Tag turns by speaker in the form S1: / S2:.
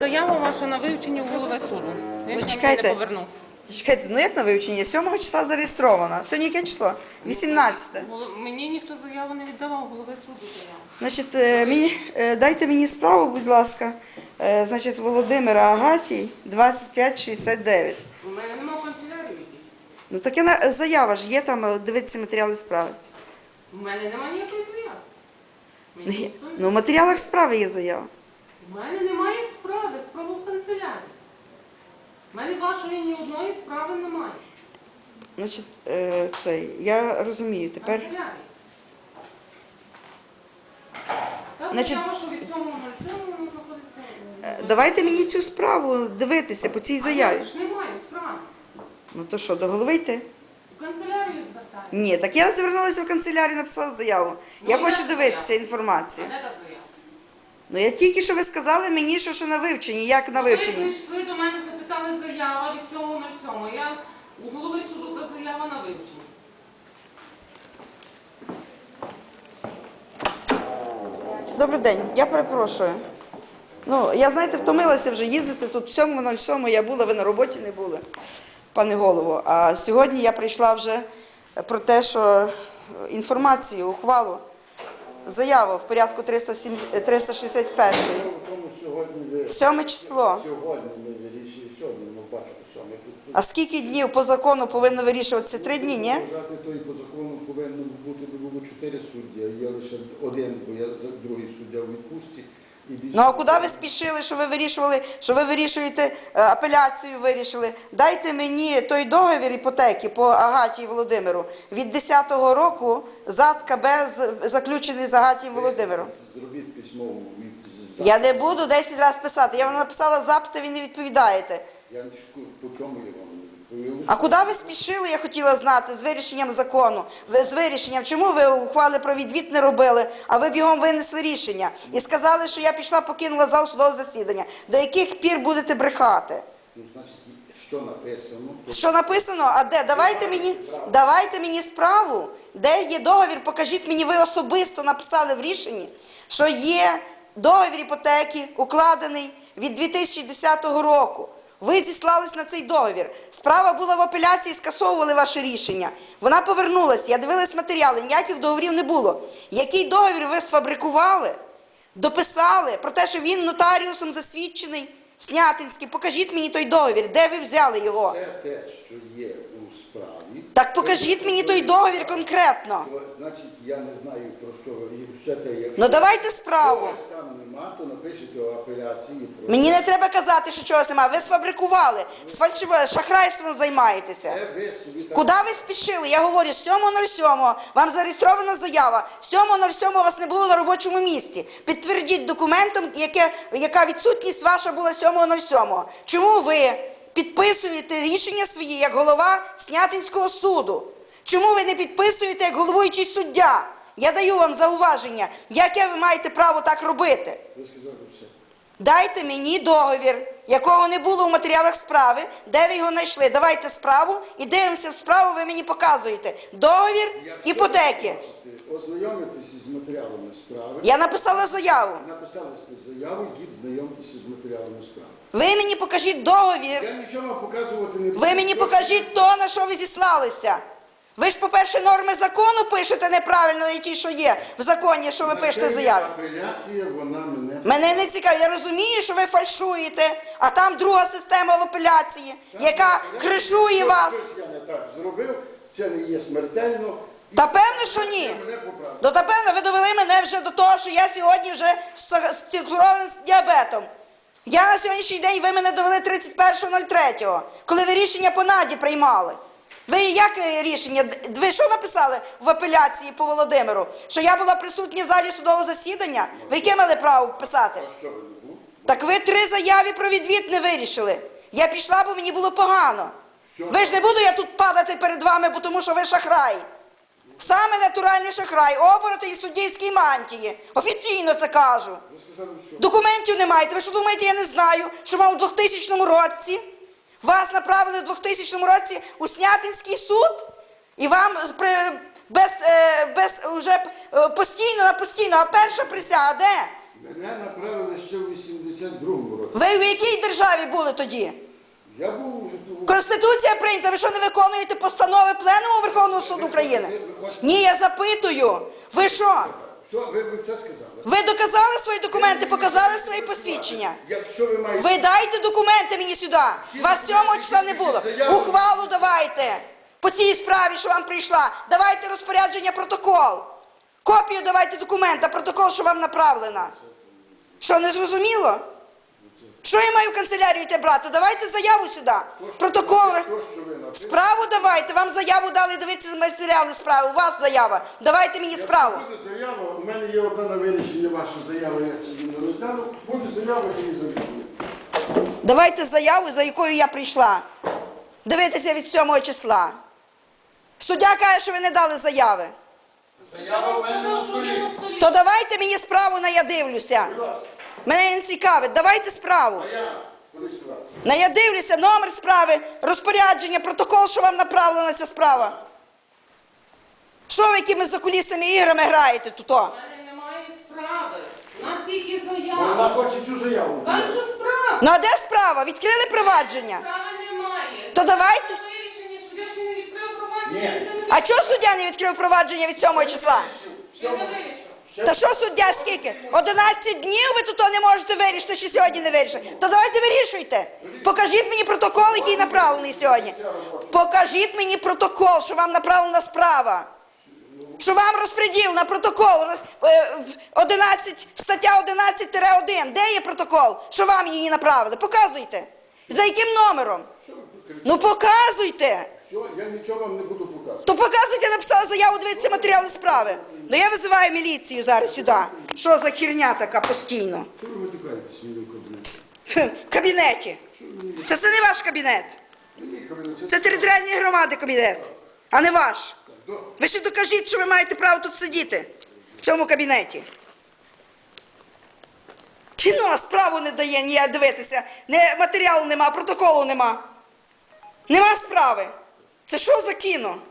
S1: Заява ваша на вивчення у голови суду. Я ще
S2: чекайте.
S1: не поверну.
S2: Чекайте, ну як на вивчення? 7 числа зареєстровано. Сьогодні яке число? 18.
S1: Мені ніхто заяву не віддавав, голови суду заяву.
S2: Значить, дайте мені справу, будь ласка. Значить, Володимира Агатій, 2569.
S1: У мене немає канцелярії.
S2: Ну таке заява ж є там, дивіться матеріали справи.
S1: У мене немає ніякої заяви. Мені ніхто не-
S2: Ну, в матеріалах справи є заява.
S1: У мене немає справи, справа в канцелярії. У мене вашої ні одної справи немає.
S2: Значить, я розумію. Тепер,
S1: Канцелярії. Та
S2: Значить,
S1: заява, що від цього на цьому вона знаходиться.
S2: давайте мені цю справу дивитися по цій
S1: А
S2: заяві.
S1: я ж не маю справи.
S2: Ну то що, до голови йти?
S1: У канцелярію звертаю.
S2: Ні, так я звернулася в канцелярію, написала заяву. Я
S1: Ну,
S2: хочу
S1: де
S2: дивитися
S1: заява? А
S2: інформацію.
S1: де та заява?
S2: Ну я тільки що ви сказали мені, що на вивченні. Як на
S1: Ви
S2: вивченні?
S1: прийшли до мене, запитали заява від 7.07. Я у голови суду та заява на вивчення.
S2: Добрий день, я перепрошую. Ну, я, знаєте, втомилася вже їздити тут в 7.07 я була, ви на роботі не були, пане голово. А сьогодні я прийшла вже про те, що інформацію, ухвалу, заяву в порядку 361.
S3: Тому
S2: 7 число.
S3: Сьогодні ми вирішили, сьогодні ми бачимо 7
S2: А скільки днів по закону повинно вирішуватися? 3 дні, ні?
S3: Вважати, то і по закону повинно бути, було 4 судді, а є лише один, бо я другий суддя в відпустці. І більше...
S2: Ну а куди ви спішили, що ви вирішуєте, апеляцію вирішили? Дайте мені той договір іпотеки по Агатії Володимиру від 10-го року ЗАД КБ заключений з Агатієм Володимиром.
S3: Зробіть письмову від...
S2: Я не буду 10 разів писати. Я вам написала запит, ви не відповідаєте.
S3: Я не шкую, по чому я вам не відповів.
S2: А куди ви спішили, я хотіла знати, з вирішенням закону? З вирішенням, чому ви ухвали про відвід не робили, а ви бігом винесли рішення? І сказали, що я пішла, покинула зал судового засідання. До яких пір будете брехати?
S3: Ну, значить, що написано? То...
S2: Що написано? А де? Давайте мені справу. Де є договір? Покажіть мені, ви особисто написали в рішенні, що є договір іпотеки, укладений від 2010 року. Ви зіслались на цей договір. Справа була в апеляції, скасовували ваше рішення. Вона повернулася, я дивилась матеріали, ніяких договорів не було. Який договір ви сфабрикували, дописали про те, що він нотаріусом засвідчений, Снятинський? Покажіть мені той договір, де ви взяли його?
S3: Все те, що є у справі...
S2: Так покажіть мені той договір конкретно.
S3: То, значить, я не знаю, про що ви... Все те, якщо...
S2: Ну давайте справу.
S3: Якщо там нема, то напишіть у апеляції про...
S2: Мені не треба казати, що чогось немає. Ви сфабрикували, сфальшували, шахрайством займаєтеся.
S3: Це ви собі так...
S2: Куди ви спішили? Я говорю, 7.07 вам зареєстрована заява. 7.07 вас не було на робочому місці. Підтвердіть документом, яка відсутність ваша була 7.07. Чому ви підписуєте рішення свої як голова Снятинського суду? Чому ви не підписуєте як головуючий суддя? Я даю вам зауваження. Яке ви маєте право так робити?
S3: Ви сказали все.
S2: Дайте мені договір, якого не було в матеріалах справи, де ви його знайшли. Давайте справу і дивимося в справу, ви мені показуєте. Договір іпотеки.
S3: Ознайомитися з матеріалами справи.
S2: Я написала заяву.
S3: Написали сте заяву, йдіть знайомитися з матеріалами справи.
S2: Ви мені покажіть договір.
S3: Я нічого вам показувати не буду.
S2: Ви мені покажіть то, на що ви зіслалися. Ви ж, по-перше, норми закону пишете неправильно, і ті, що є в законі, що ви пишете заяву.
S3: Апеляція, вона мене...
S2: Мене не цікавить. Я розумію, що ви фальшуєте, а там друга система в апеляції, яка кришує вас.
S3: Я не так зробив, це не є смертельно.
S2: Та певно, що ні. Ну, та певно, ви довели мене вже до того, що я сьогодні вже з цукровим діабетом. Я на сьогоднішній день, ви мене довели 31.03, коли ви рішення по Наді приймали. Ви як рішення? Ви що написали в апеляції по Володимиру? Що я була присутня в залі судового засідання? Ви яке мали право писати?
S3: А що ви не були?
S2: Так ви 3 заяви про відвід не вирішили. Я пішла, бо мені було погано. Ви ж не буду я тут падати перед вами, бо тому що ви шахрай. Саме натуральний шахрай, оборотень і суддівській мантії. Офіційно це кажу.
S3: Ви сказали все.
S2: Документів не маєте. Ви що думаєте, я не знаю, що вам у 2000 році вас направили у 2000 році у Снятинський суд? І вам уже постійно, а перша присяга де?
S3: Мене направили ще в 82-му році.
S2: Ви в якій державі були тоді?
S3: Я був...
S2: Конституція прийнята, ви що не виконуєте постанови Пленуму Верховного суду України? Ні, я запитую. Ви що?
S3: Все, ви все сказали.
S2: Ви доказали свої документи, показали свої посвідчення?
S3: Якщо ви маєте...
S2: Ви дайте документи мені сюди. Вас 7 числа не було. Ухвалу давайте. По цій справі, що вам прийшла. Давайте розпорядження, протокол. Копію давайте документа, протокол, що вам направлено. Що, не зрозуміло? Що я маю в канцелярію йти брати? Давайте заяву сюди. Протокол.
S3: То, що ви написали...
S2: Справу давайте. Вам заяву дали, дивіться матеріали справи. У вас заява. Давайте мені справу.
S3: Якщо буде заява, у мене є одна на вирішення ваша заява, я її не розглянув. Буде заява, я її завірю.
S2: Давайте заяву, за якою я прийшла. Дивитися від 7 числа. Суддя каже, що ви не дали заяви.
S1: Я вам сказав, що він на столі.
S2: То давайте мені справу, на я дивлюся.
S3: Будь ласка,
S2: Мене не цікавить. Давайте справу.
S3: заява, коли сюди.
S2: На я дивлюся, номер справи, розпорядження, протокол, що вам направлена ця справа. Що ви якими закулісними іграми граєте тут?
S1: У мене немає справи. У нас тільки
S3: Вона
S1: заява.
S3: хоче цю заяву.
S1: Кажу, що справа.
S2: Ну а де справа? Відкрили провадження?
S1: Справи немає.
S2: То давайте.
S1: На вирішення суддя ще не відкрив провадження.
S3: Ні.
S1: нічого не
S2: А чого суддя не відкрив провадження від 7 числа?
S1: Ще не вирішив.
S2: Та що суддя скільки? 11 днів ви тут не можете вирішити, що сьогодні не вирішите. То давайте вирішуйте. Покажіть мені протокол, який направлений сьогодні. Покажіть мені протокол, що вам направлена справа. Що вам розподіл на протокол 11, стаття 11-1. Де є протокол? Що вам її направили? Показуйте. За яким номером? Ну показуйте.
S3: Все, я нічого вам не буду показувати.
S2: То показуйте, написала заяву, дивіться матеріали справи. Ну я визиваю міліцію зараз сюди. Що за херня така постійно?
S3: Чого ви матюкаєтесь мені в кабінеті?
S2: В кабінеті. Це не ваш кабінет.
S3: Мій кабінет,
S2: Це територіальної громади кабінет, а не ваш. Ви ще докажіть, що ви маєте право тут сидіти, в цьому кабінеті. Кіно справу не дає ніяк дивитися. Матеріалу нема, протоколу нема. Нема справи. Це що за кіно?